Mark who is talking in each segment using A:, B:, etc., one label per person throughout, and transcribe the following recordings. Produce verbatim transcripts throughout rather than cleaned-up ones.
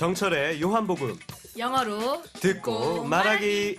A: 정철의 요한복음
B: 영어로
A: 듣고 말하기.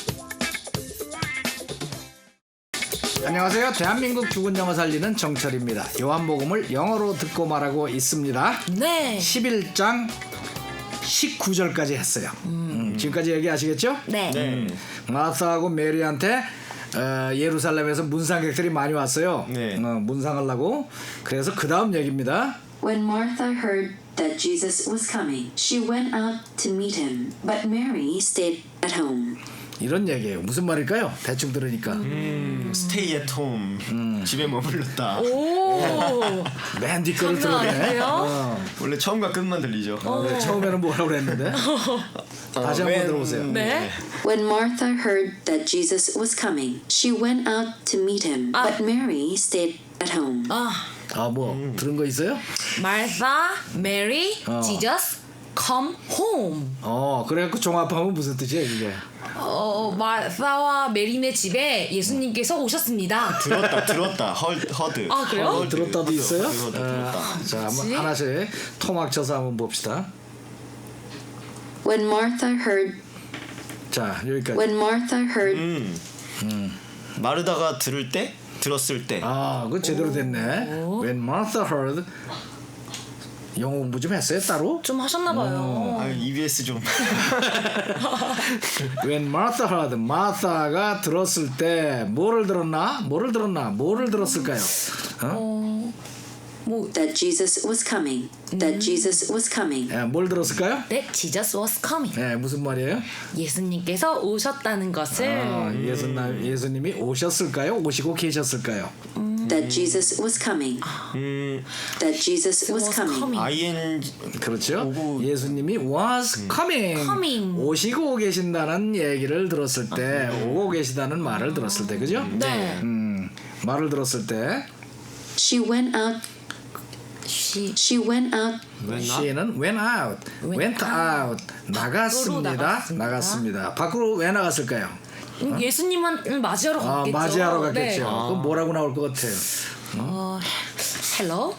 C: 안녕하세요. 대한민국 죽은 영어 살리는 정철입니다. 요한복음을 영어로 듣고 말하고 있습니다.
B: 네.
C: 십일 장 십구 절까지 했어요. 음, 지금까지 얘기하시겠죠?
B: 네.
A: 네.
C: 마사하고 메리한테 어, 예루살렘에서 문상객들이 많이 왔어요.
A: 네.
C: 어, 문상하려고. 그래서 그 다음 얘기입니다.
D: When Martha heard that Jesus was coming, she went out to meet him, but Mary stayed at home.
C: 이런 얘기예요. 무슨 말일까요? 대충 들으니까.
E: 음, 스테이 앳 홈. 집에 머물렀다.
B: 오.
C: 맨 뒷거를
B: 장난
C: 들으네.
B: 아니에요?
C: 어.
E: 원래 처음과 끝만 들리죠.
C: 어, 네, 처음에는 뭐라고 그랬는데? 다시 한번
E: 웬-
C: 들어보세요.
B: 네.
D: When Martha heard that Jesus was coming, she went out to meet him,
B: 아.
D: but Mary stayed at home.
B: 아,
C: 아, 뭐 들은 거 있어요?
B: 말사, 메리,
C: 어.
B: 지저스, come home.
C: 어, 그래갖고 종합하면 무슨 뜻이에요, 이게?
B: 어, 말사와 메리네 집에 예수님께서 오셨습니다.
E: 들었다, 들었다. 헐, 허드.
B: 아, 그래요?
C: 어, 들었다도 있어요?
E: 들었다, 들었다.
C: 어, 자, 한번
B: 뭐지?
C: 하나씩 토막 쳐서 한번 봅시다.
D: When Martha heard,
C: 자, 여기까지.
D: when Martha heard,
E: 음. 마르다가 들을 때, 들었을 때.
C: 아, 그거 제대로 됐네. When Martha heard. 영어 공부 좀 했어요, 따로?
B: 좀 하셨나봐요.
E: 아, 이비에스 좀.
C: When Martha heard, 마사가 들었을 때 뭐를 들었나? 뭐를 들었나? 뭐를 들었을까요? 어?
B: 어, 뭐,
D: that Jesus was coming, that Jesus was coming.
C: 예, 뭘 들었을까요?
B: that Jesus was coming.
C: 예, 무슨 말이에요?
B: 예수님께서 오셨다는 것을.
C: 아, 예수님, 예수님이 오셨을까요? 오시고 계셨을까요?
D: That Jesus was coming,
E: 음,
D: that Jesus was
B: was
D: coming.
B: coming.
E: 아이엔지.
C: 그렇죠.
E: 오고-
C: 예수님이 was coming,
B: coming.
C: 오시고 계신다는 얘기를 들었을 때, 오고 계시다는 말을 들었을 때, 그죠?
B: 네.
C: 음, 말을 들었을 때,
D: She went out,
B: She
D: she went out
C: she는 went out,
B: Went
C: went out, 나갔습니다,
B: 나갔습니다.
C: 나갔습니다. 밖으로 왜 나갔을까요?
B: 음, 예수님은 맞이하러
C: 아,
B: 갔겠죠.
C: 맞이하러 갔겠죠.
B: 네.
C: 그럼 뭐라고 나올 것 같아요?
B: 어, hello.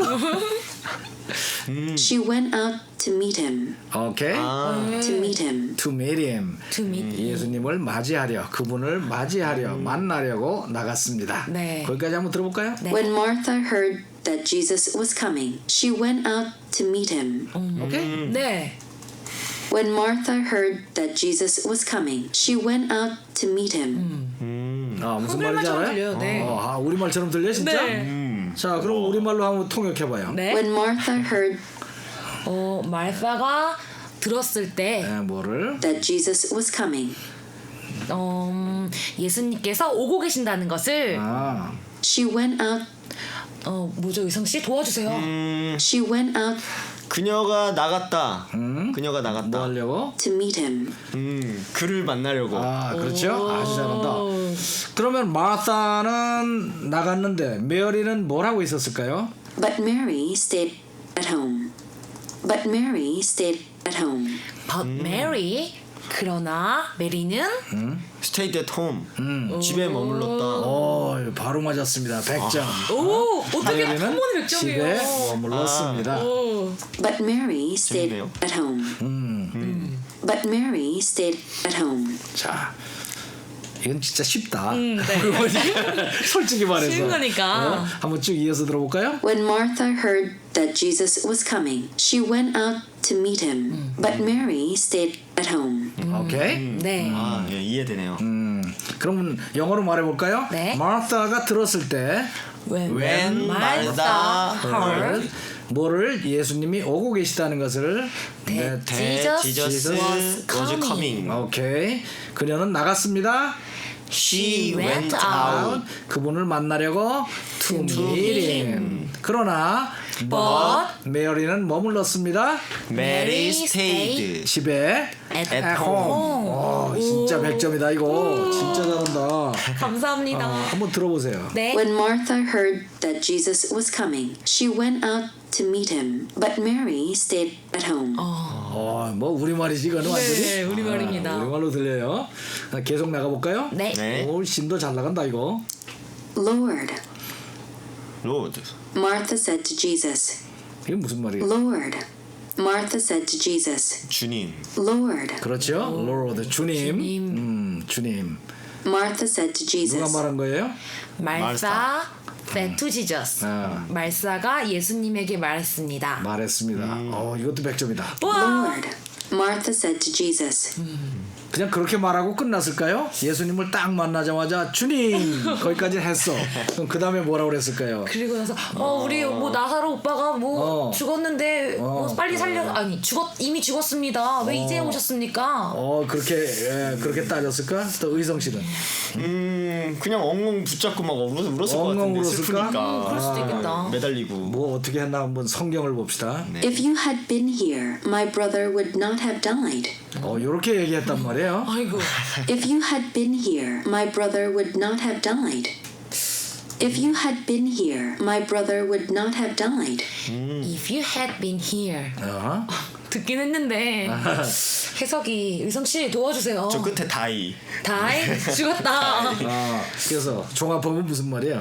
D: She went out to meet him,
C: 오케이.
E: 아,
D: to meet him.
C: To meet him.
B: To meet him.
C: 예수님을 맞이하려, 그분을 맞이하려, 만나려고 나갔습니다.
B: 네.
C: 거기까지 한번 들어볼까요?
B: 네.
D: When Martha heard that Jesus was coming, she went out to meet him.
C: 오케이.
B: 네.
D: When Martha heard that Jesus was coming, she went out to meet him.
C: 아, 무슨
B: 한글말처럼
C: 말인지 알아요?
B: 들려요, 네.
C: 어, 아, 우리말처럼 들려 진짜?
B: 네.
C: 자, 그럼 우리말로 한번 통역해봐요.
B: 네.
D: When Martha heard
B: 어, 말사가 들었을 때
C: 네, 뭐를?
D: that Jesus was coming,
B: 어, 예수님께서 오고 계신다는 것을
C: 아,
D: she went out,
B: 어, 뭐죠, 의성 씨 도와주세요.
D: she went out
E: 그녀가 나갔다. 그녀가 나갔다.
C: 뭐 하려고?
D: to meet him.
E: 음, 그를 만나려고.
C: 아, 그렇죠? 아주 잘한다. 그러면 마사는 나갔는데 메리는 뭘 하고 있었을까요?
D: But Mary stayed at home. But Mary stayed at home.
B: But Mary 그러나 메리는
E: 스테이 앳 홈. 집에 머물렀다.
C: 어, 바로 맞았습니다. 백 점.
B: 오 어떻게 한
C: 메리는
B: 번에 백
C: 집에
B: 점이에요.
C: 머물렀습니다.
B: 오.
D: But Mary stayed
E: 재밌네요.
D: at home. But Mary stayed at home.
C: 자, 이건 진짜 쉽다.
B: 네.
C: 솔직히 말해서.
B: 쉬운 거니까.
C: 어? 한번 쭉 이어서 들어볼까요?
D: When Martha heard that Jesus was coming, she went out to meet him. But Mary stayed at home.
C: 오케이.
B: 네.
E: 아, 예, 이해되네요.
C: 음, 그러면 영어로 말해볼까요?
B: 네.
C: 마르타가 들었을 때
B: When,
E: When
B: Martha
E: Martha
B: heard
C: 뭐를 예수님이 오고 계시다는 것을 네,
B: Jesus
E: Jesus
B: was
E: was
B: coming.
E: coming.
C: 오케이. 그녀는 나갔습니다.
E: She went
B: went
E: out.
C: 그분을 만나려고 to meet him. 그러나
B: But
C: 메리는 머물렀습니다.
E: Mary
B: Mary
E: stayed.
C: 집에
B: at
C: at
B: home.
C: home. 어, 진짜 백 점이다 이거. 진짜 잘한다.
B: 감사합니다.
C: 어, 한번 들어보세요.
B: 네.
D: When Martha heard that Jesus was coming, she went out to meet him. But Mary stayed at home.
C: 어, 뭐 우리말이지 이거는 완전히.
B: 네, 우리말입니다.
C: 아, 우리말로 들려요. 아, 계속 나가볼까요?
B: 네.
E: 네.
C: 오, 심도 잘 나간다 이거.
D: Lord,
E: Lord.
D: Martha said to Jesus,
C: 이게 무슨 말이에요?
D: Lord, Martha said to Jesus,
E: 주님.
D: Lord.
C: 그렇죠. Lord 주님.
B: 주님.
C: 음, 주님.
D: Martha said to
C: 누가
D: Jesus,
C: 말한 거예요?
B: 말사 said to Jesus.
C: 아.
B: 말사가 예수님에게 말했습니다.
C: 말했습니다. 어, 이것도 백 점이다.
B: 와.
D: Lord. Martha said to Jesus,
C: 그냥 그렇게 말하고 끝났을까요? 예수님을 딱 만나자마자 주님 거기까지 했어. 그럼 그 다음에 뭐라고 그랬을까요?
B: 그리고 나서 어 우리 뭐 나사로 오빠가 뭐
C: 어.
B: 죽었는데
C: 어.
B: 뭐 빨리 살려 아니 죽었 이미 죽었습니다. 왜 이제 오셨습니까?
C: 어 그렇게 예, 그렇게 따졌을까? 또 의성 씨는
E: 음 그냥 엉엉 붙잡고 막 울었, 울었을 것
C: 엉엉
E: 같은데
C: 울었을까?
E: 슬프니까.
B: 음, 그럴 수도 있겠다.
E: 매달리고.
C: 뭐 어떻게 했나 한번 성경을 봅시다.
D: If you had been here, my brother would not have died.
C: 어 이렇게 얘기했단 말이에요.
B: 아이고.
D: If you had been here, my brother would not have died. If you had been here, my brother would not have died.
B: If you had been here.
C: 어?
B: 듣긴 했는데 해석이 의성 씨 도와주세요.
E: 저 끝에 다이.
B: 다이 죽었다.
C: 아, 그래서 종합법은 무슨 말이에요?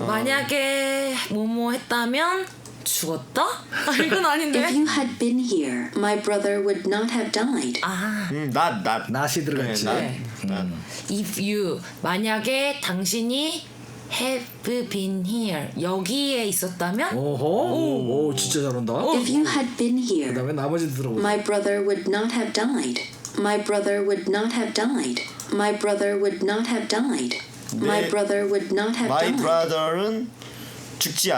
B: 만약에 뭐뭐 했다면 죽었다? 아 이건
D: If
B: 아닌데.
D: you had been here, my brother would not have died.
B: 아
E: 음, 낫, 낫.
C: 낫이 들어갔지.
E: 네, 낫. 낫.
B: if you 만약에 당신이 have been here 여기에 있었다면
C: 오호, 오, 진짜 잘한다.
D: If you had been here,
C: 그다음에 나머지 들어보세요.
D: my brother would not have died. My brother would not have died. My brother would not have died. My
E: 네.
D: brother would not have
E: My
D: died.
E: brother는 죽지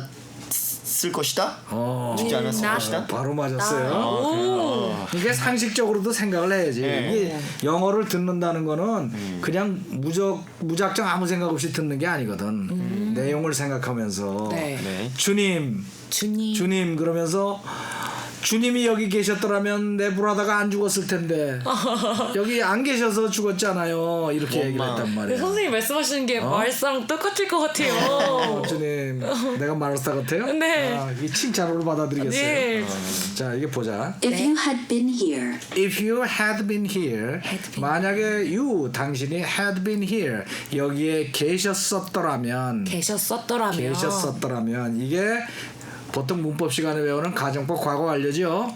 E: 않았을 것이다.
C: 어,
E: 죽지 않았을
B: 나-
E: 것이다.
C: 바로 맞았어요.
B: 오.
C: 이게 상식적으로도 생각을 해야지.
E: 네.
C: 이게 영어를 듣는다는 거는 그냥 무적 무작정 아무 생각 없이 듣는 게 아니거든. 내용을 생각하면서
B: 네.
E: 네.
C: 주님,
B: 주님
C: 주님 그러면서 주님이 여기 계셨더라면 내 브라더가 안 죽었을 텐데 여기 안 계셔서 죽었잖아요. 이렇게 얘기를
E: 엄마.
C: 했단
B: 네,
C: 말이야.
B: 선생님 말씀하시는 게 말상 똑같을 것 같아요.
C: 어, 주님, 내가 마르사 같아요?
B: 네.
C: 아, 이 칭찬으로 받아들이겠어요.
B: 네.
C: 자, 이게 보자.
D: If you had been here,
C: If you had been here,
B: Had been.
C: 만약에 you 당신이 had been here 여기에 계셨었더라면
B: 계셨었더라면
C: 계셨었더라면 이게 보통 문법 시간에 배우는 가정법 과거 완료죠.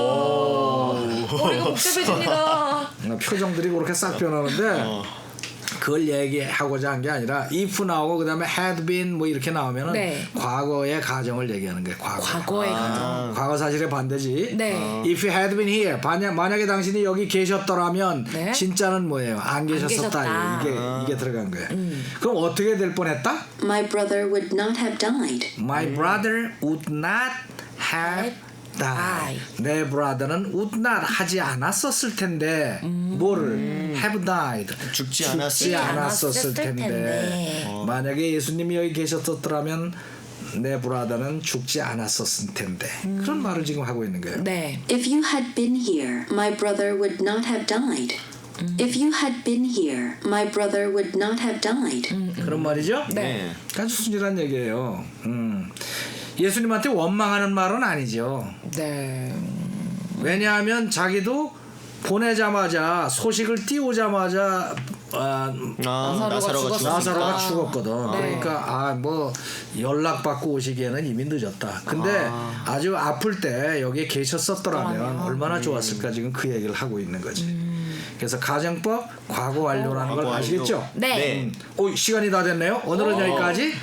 B: 어, 머리가 복잡해집니다.
C: 표정들이 그렇게 싹 변하는데 그걸 얘기하고자 한 게 아니라 if 나오고 그다음에 had been 뭐 이렇게 나오면은
B: 네.
C: 과거의 가정을 얘기하는 거예요. 과거.
B: 과거의 가정.
C: 과거 사실의 반대지.
B: 네.
C: If you had been here, 만약 만약에 당신이 여기 계셨더라면
B: 네.
C: 진짜는 뭐예요? 안 계셨었다.
B: 계셨다.
C: 이게 이게 들어간 거예요. 그럼 어떻게 될 뻔했다?
D: my brother would not have died.
C: My brother would not have died. 내 brother는 would not 하지 않았었을 텐데 뭐를 have died
E: 죽지 않았을
C: 죽지 않았었을
B: 않았을
C: 텐데,
B: 텐데.
C: 만약에 예수님이 여기 계셨었더라면 내 브라더는 죽지 않았었을 텐데 그런 말을 지금 하고 있는 거예요.
B: 네.
D: If you had been here, my brother would not have died. If you had been here, my brother would not have died.
C: 그런 말이죠?
E: 네.
C: 아주 순진한 얘기예요. 음. 예수님한테 원망하는 말은 아니죠.
B: 네.
C: 왜냐하면 자기도 보내자마자 소식을 띄우자마자 아,
E: 아,
B: 나사로가
E: 나사로가
B: 죽었으니까.
C: 나사로가
E: 죽었으니까.
C: 죽었거든.
B: 네.
C: 그러니까 아 뭐 연락 받고 오시기에는 이미 늦었다. 근데 아. 주 아플 때 여기에 계셨었더라면
B: 그러면.
C: 얼마나 좋았을까 지금 그 얘기를 하고 있는 거지. 그래서 가정법 과거 완료라는 걸
E: 과거
C: 아시겠죠?
B: 네.
E: 네.
C: 오, 시간이 다 됐네요. 오늘은 여기까지.